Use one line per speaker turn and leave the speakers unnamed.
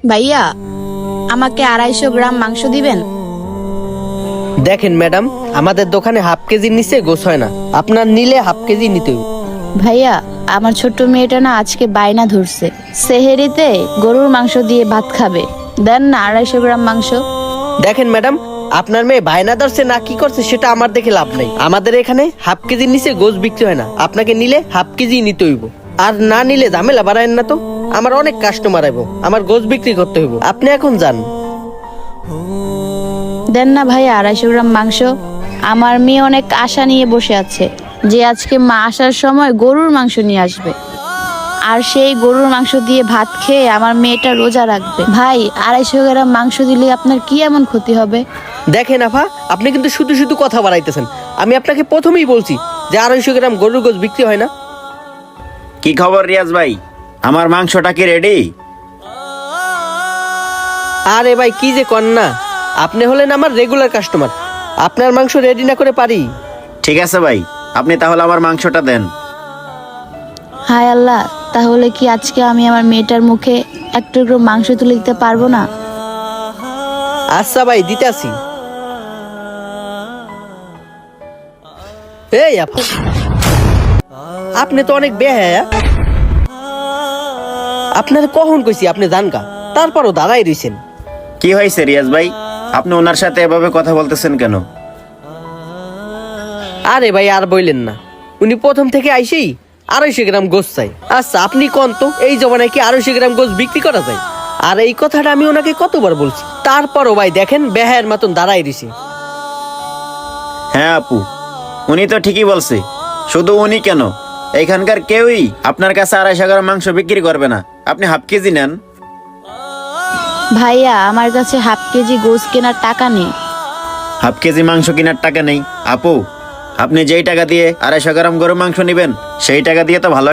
ভাইয়া, আমাকে 250 গ্রাম মাংস দিবেন?
দেখেন ম্যাডাম, আমাদের দোকানে হাফ কেজির নিচে গোছ হয় না, আপনার নিলে হাফ কেজি নিতে হবে।
ভাইয়া, আমার ছোট্ট মেয়েটা না আজকে বায়না ধরছে, সেহেরিতে গরুর মাংস দিয়ে ভাত খাবে। দেন না 250 গ্রাম মাংস।
দেখেন ম্যাডাম, আপনার মেয়ে বায়না ধরছে না কি করছে সেটা আমার দেখে লাভ নাই। আমাদের এখানে হাফ কেজির নিচে গোছ বিক্রি হয় না, আপনাকে নিলে হাফ কেজি নিতে হইব। আর না নিলে ঝামেলা বাড়ায়েন না তো, আমার অনেক কাস্টমার আইব, আমার গোছ বিক্রি করতে হইব। আপনি এখন যান।
দেন না ভাইয়া 250 গ্রাম মাংস। আমার মেয়ে অনেক আশা নিয়ে বসে আছে যে আজকে মা আসার সময় গরুর মাংস নিয়ে আসবে, আর সেই গরুর মাংস দিয়ে ভাত খেয়ে আমার মেয়েটা রোজা রাখবে। ভাই, 250 গ্রাম মাংস দিলে আপনার কি এমন ক্ষতি হবে?
দেখেন আফা, আপনি কিন্তু শুধু শুধু কথা বাড়াইতেছেন। আমি আপনাকে প্রথমেই বলছি যে 250 গ্রাম গরুর গোছ বিক্রি হয় না।
কি খবর রিয়াজ ভাই, আমার মাংসটা কি রেডি?
আরে ভাই, কি যে কন না, আপনি হলেন আমার রেগুলার কাস্টমার, আপনার মাংস রেডি না করে পারি?
ঠিক আছে ভাই, আপনি তাহলে আমার মাংসটা দেন।
হায় আল্লাহ, তাহলে কি আজকে আমি আমার মেয়েটার মুখে এক টুকরো মাংস তুলে দিতে পারবো না?
আচ্ছা ভাই, দিতে আসি। এই আপা, আপনি তো অনেক বেহায়া। আপনার কখন কইছি আপনি জানকা, তারপরও দাঁড়াই রইছেন।
কি হয়েছে রিয়াজ ভাই, আপনি ওনার সাথে এভাবে কথা বলতেছেন কেন?
আরে ভাই, আর বইলেন না, উনি প্রথম থেকে আইসেই 250 গ্রাম গোছ চাই। আচ্ছা আপনি কোন তো, এই জমানায় কি 250 গ্রাম গোছ বিক্রি করা যায়? আর এই কথাটা আমি ওনাকে কতবার বলছি, তারপরও ভাই দেখেন বেহায়ের মতন দাঁড়াই রইছে।
হ্যাঁ আপু, উনি তো ঠিকই বলছে। শুধু উনি কেন, এখানকার কেউই আপনার কাছে 250 গ্রাম মাংস বিক্রি করবে না। আপনি হাফ কেজি নেন।
ভাইয়া, আমার কাছে হাফ কেজি গোশ কেনার টাকা নেই।
হাফ কেজি মাংস কেনার টাকা নেই? আপু, আপনি যেই টাকা দিয়ে 250 গ্রাম গরু মাংস নেবেন সেই টাকা দিয়ে তো ভালো